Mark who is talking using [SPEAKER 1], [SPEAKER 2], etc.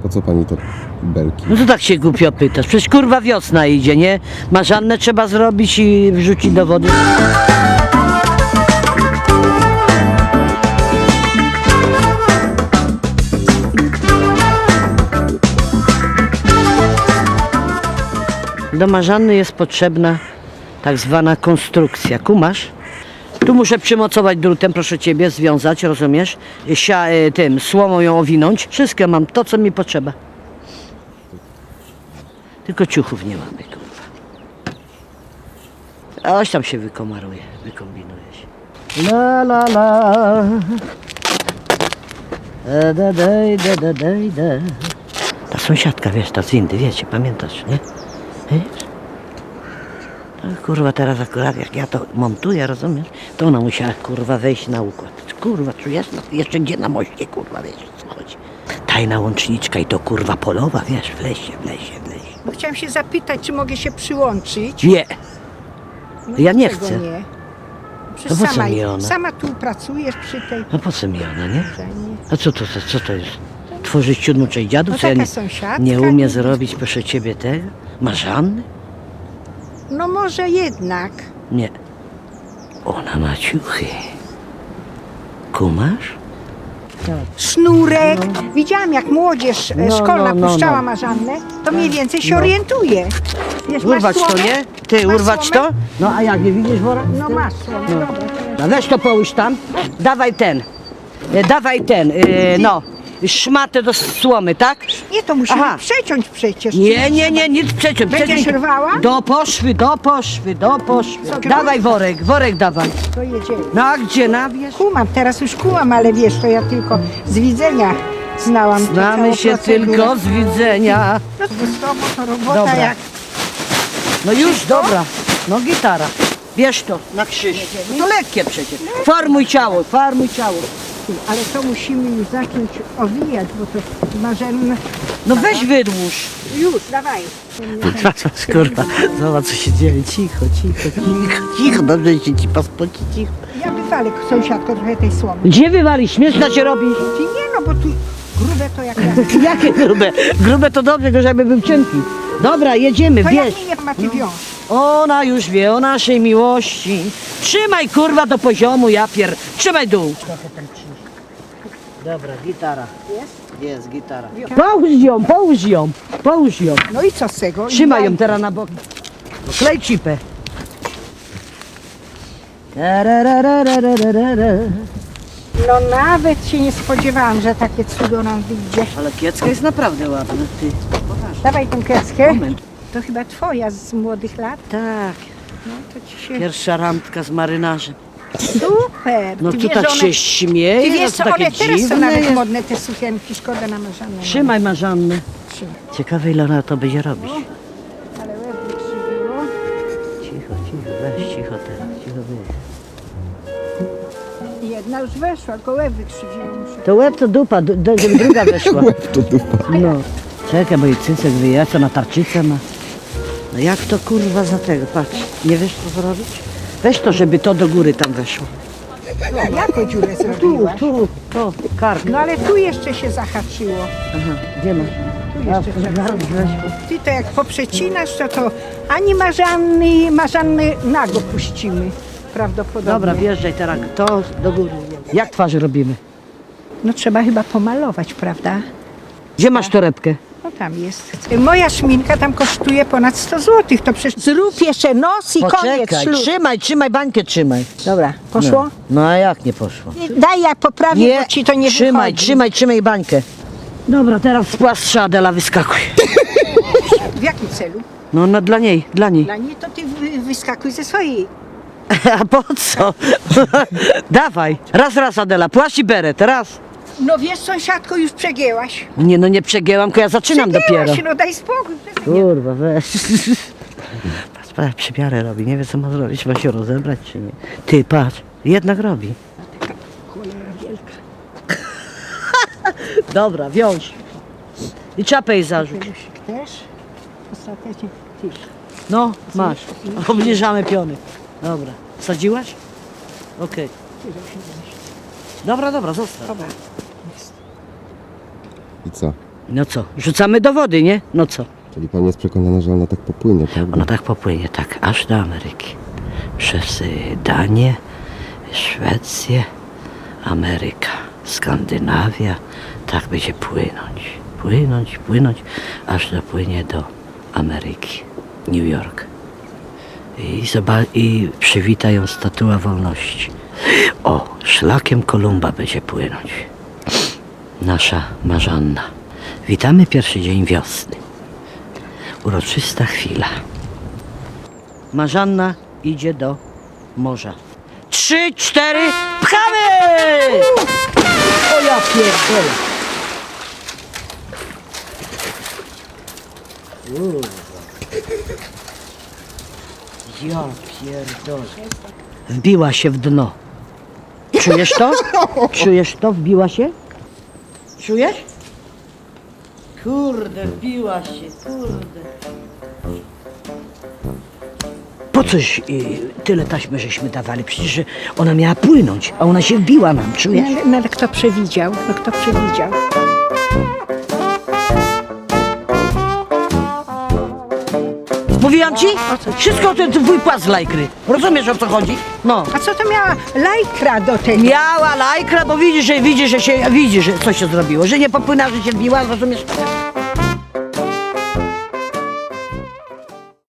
[SPEAKER 1] Po co pani to belki?
[SPEAKER 2] No to tak się głupio pytasz. Przecież kurwa wiosna idzie, nie? Marzannę trzeba zrobić i wrzucić do wody. Do marzanny jest potrzebna tak zwana konstrukcja. Kumasz? Tu muszę przymocować drutem, proszę ciebie, związać, rozumiesz? Tym słomą ją owinąć. Wszystko mam, to co mi potrzeba. Tylko ciuchów nie mamy, kurwa. A oś tam się wykomaruje, wykombinuje się. La la la. Da da. Ta sąsiadka, wiesz, ta z windy, wiecie, pamiętasz, nie? Wiesz? No, kurwa, teraz akurat jak ja to montuję, rozumiesz? To ona musiała, kurwa, wejść na układ. Kurwa, czujesz? No, jeszcze gdzie na moście, kurwa, wiesz, o co chodzi. Tajna łączniczka i to, kurwa, polowa, wiesz, w lesie.
[SPEAKER 3] No, chciałam się zapytać, czy mogę się przyłączyć.
[SPEAKER 2] Nie,
[SPEAKER 3] No,
[SPEAKER 2] ja nie
[SPEAKER 3] dlaczego
[SPEAKER 2] chcę.
[SPEAKER 3] Nie?
[SPEAKER 2] To
[SPEAKER 3] Przecież
[SPEAKER 2] po co mi ona?
[SPEAKER 3] sama tu pracujesz przy tej...
[SPEAKER 2] No po co mi ona, nie?
[SPEAKER 3] Że nie.
[SPEAKER 2] A co to jest? Tworzyć siódmą część dziadów?
[SPEAKER 3] No
[SPEAKER 2] Co ja
[SPEAKER 3] taka
[SPEAKER 2] nie,
[SPEAKER 3] sąsiadka,
[SPEAKER 2] nie umie
[SPEAKER 3] nie?
[SPEAKER 2] zrobić, proszę ciebie, tego? Marzanny?
[SPEAKER 3] No może jednak.
[SPEAKER 2] Nie. Ona ma ciuchy. Kumasz?
[SPEAKER 3] Sznurek. Widziałam, jak młodzież szkolna puszczała marzannę, to mniej więcej się orientuje. Wiesz, masz
[SPEAKER 2] Urwać to,
[SPEAKER 3] słomę?
[SPEAKER 2] nie? Ty,
[SPEAKER 3] Masz
[SPEAKER 2] urwać
[SPEAKER 3] słomę?
[SPEAKER 2] to? No a jak, nie widzisz wora?
[SPEAKER 3] No masz słomę, dobra.
[SPEAKER 2] No weź to połóż tam. Dawaj ten. No. Szmatę do słomy, tak?
[SPEAKER 3] Nie, to musimy
[SPEAKER 2] Aha.
[SPEAKER 3] przeciąć przecież.
[SPEAKER 2] Nie, nic przeciąć.
[SPEAKER 3] Będziesz rwała?
[SPEAKER 2] Do poszwy.
[SPEAKER 3] Co,
[SPEAKER 2] Dawaj worek dawaj.
[SPEAKER 3] To jedziemy.
[SPEAKER 2] No a gdzie, nabierz?
[SPEAKER 3] Kumam, teraz już kumam, ale wiesz, to ja tylko z widzenia znałam tę
[SPEAKER 2] Znamy
[SPEAKER 3] całą
[SPEAKER 2] się
[SPEAKER 3] procedurę.
[SPEAKER 2] tylko z widzenia.
[SPEAKER 3] No to z tobą to robota
[SPEAKER 2] Dobra.
[SPEAKER 3] jak...
[SPEAKER 2] No już, dobra. No gitara. Bierz to na krzyż. To lekkie przecież. Formuj ciało.
[SPEAKER 3] Ale to musimy już zacząć owijać, bo to marzenne...
[SPEAKER 2] No weź wydłuż.
[SPEAKER 3] Już, dawaj.
[SPEAKER 2] Kurwa, zobacz co się dzieje. Cicho. Dobrze się ci pospoci, cicho.
[SPEAKER 3] Ja wywalę, sąsiadko, trochę tej słomy.
[SPEAKER 2] Gdzie wywalisz? Śmieszna się robi.
[SPEAKER 3] Ty nie, no bo tu grube to jak ja.
[SPEAKER 2] Jakie grube? Grube to dobrze, tylko żeby był cienki. Dobra, jedziemy,
[SPEAKER 3] To
[SPEAKER 2] bierz.
[SPEAKER 3] jak mnie nie ma, ty wiąż.
[SPEAKER 2] Ona już wie o naszej miłości. Trzymaj kurwa do poziomu, Trzymaj dół. Dobra, gitara. Jest gitara. Połóż ją.
[SPEAKER 3] No i co z tego?
[SPEAKER 2] Trzymaj ją
[SPEAKER 3] I
[SPEAKER 2] teraz na bok. Klej cipę.
[SPEAKER 3] No nawet się nie spodziewałam, że takie cudo nam wyjdzie.
[SPEAKER 2] Ale kiecka jest naprawdę ładna, ty.
[SPEAKER 3] Dawaj tą kreskę.
[SPEAKER 2] Moment.
[SPEAKER 3] To chyba twoja z młodych lat.
[SPEAKER 2] Tak,
[SPEAKER 3] No to ci się...
[SPEAKER 2] pierwsza randka z marynarzem.
[SPEAKER 3] Super.
[SPEAKER 2] No
[SPEAKER 3] Ty
[SPEAKER 2] tu
[SPEAKER 3] wiesz,
[SPEAKER 2] tak
[SPEAKER 3] one...
[SPEAKER 2] się śmieje,
[SPEAKER 3] Ty
[SPEAKER 2] no
[SPEAKER 3] wiesz
[SPEAKER 2] to
[SPEAKER 3] co,
[SPEAKER 2] takie
[SPEAKER 3] one teraz są
[SPEAKER 2] dziwne
[SPEAKER 3] nawet
[SPEAKER 2] jest.
[SPEAKER 3] modne, te sukienki, szkoda na marzannę.
[SPEAKER 2] Trzymaj marzannę.
[SPEAKER 3] Trzymaj.
[SPEAKER 2] Ciekawe ile ona to będzie robić.
[SPEAKER 3] Ale łeb wykrzywiło.
[SPEAKER 2] Cicho, weź cicho teraz, cicho weź.
[SPEAKER 3] Jedna już weszła, tylko łeb wykrzywiło. Muszę.
[SPEAKER 2] To łeb to dupa, żeby druga weszła.
[SPEAKER 1] To dupa.
[SPEAKER 2] No. Czekaj, bo jej cycek wyjaca, na tarczycę ma. No jak to kurwa za tego, patrz. Nie wiesz co zrobić? Weź to, żeby to do góry tam weszło.
[SPEAKER 3] A jaką dziurę zrobiłaś?
[SPEAKER 2] Tu, kark.
[SPEAKER 3] No ale tu jeszcze się zahaczyło.
[SPEAKER 2] Aha, gdzie masz?
[SPEAKER 3] Tu jeszcze się
[SPEAKER 2] zaraz
[SPEAKER 3] zahaczyło.
[SPEAKER 2] weszło.
[SPEAKER 3] Ty to jak poprzecinasz, to ani marzanny nago puścimy. Prawdopodobnie.
[SPEAKER 2] Dobra, wjeżdżaj teraz, to do góry. Jak twarzy robimy?
[SPEAKER 3] No trzeba chyba pomalować, prawda?
[SPEAKER 2] Gdzie masz torebkę?
[SPEAKER 3] No tam jest. Moja szminka tam kosztuje ponad 100 zł. To przecież zrób jeszcze nos i koniec
[SPEAKER 2] Poczekaj,
[SPEAKER 3] ślub.
[SPEAKER 2] trzymaj, bańkę trzymaj.
[SPEAKER 3] Dobra, poszło?
[SPEAKER 2] No a jak nie poszło?
[SPEAKER 3] Daj, ja poprawię, bo ci to nie wychodzi.
[SPEAKER 2] trzymaj bańkę. Dobra, teraz z płastrza Adela wyskakuj.
[SPEAKER 3] W jakim celu?
[SPEAKER 2] No dla niej.
[SPEAKER 3] Dla niej to ty wyskakuj ze swojej.
[SPEAKER 2] A po co? Dawaj, raz Adela, płaszcz i beret, raz.
[SPEAKER 3] No wiesz, sąsiadko, już przegięłaś.
[SPEAKER 2] Nie, no nie przegięłam, tylko ja zaczynam dopiero.
[SPEAKER 3] Przegięłaś, no daj spokój.
[SPEAKER 2] Kurwa, weź. Patrz, przymiarę robi, nie wie co ma zrobić, ma się rozebrać czy nie. Ty, patrz, jednak robi.
[SPEAKER 3] Cholera wielka.
[SPEAKER 2] Dobra, wiąż. I czapę jej zarzuć.
[SPEAKER 3] Pelusik też. Ostatecznie ty.
[SPEAKER 2] No, masz. Obniżamy piony. Dobra. Sadziłaś? Okej. Dobra, zostaw.
[SPEAKER 3] Dobra.
[SPEAKER 1] I co?
[SPEAKER 2] No co, rzucamy do wody, nie? No co?
[SPEAKER 1] Czyli pani jest przekonana, że ona tak popłynie, prawda?
[SPEAKER 2] Ona tak popłynie, tak, aż do Ameryki. Przez Danię, Szwecję, Ameryka, Skandynawia. Tak będzie płynąć, aż dopłynie do Ameryki, New York. I przywita ją Statua Wolności. O, szlakiem Kolumba będzie płynąć. Nasza Marzanna. Witamy pierwszy dzień wiosny. Uroczysta chwila. Marzanna idzie do morza. 3, 4, pchamy! O ja pierdolę. Ja pierdolę. Wbiła się w dno. Czujesz to? Czujesz to? Wbiła się? Czujesz? Kurde, wbiła się, kurde. Po coś tyle taśmy żeśmy dawali? Przecież że ona miała płynąć, a ona się wbiła nam, czujesz?
[SPEAKER 3] No ale kto przewidział? No kto przewidział?
[SPEAKER 2] Mówiłam ci? Wszystko to twój płat z lajkry. Rozumiesz, o co chodzi? No.
[SPEAKER 3] A co to miała lajkra do tego?
[SPEAKER 2] Miała lajkra, bo widzisz, że co się zrobiło, że nie popłynęła, że się wbiła, rozumiesz?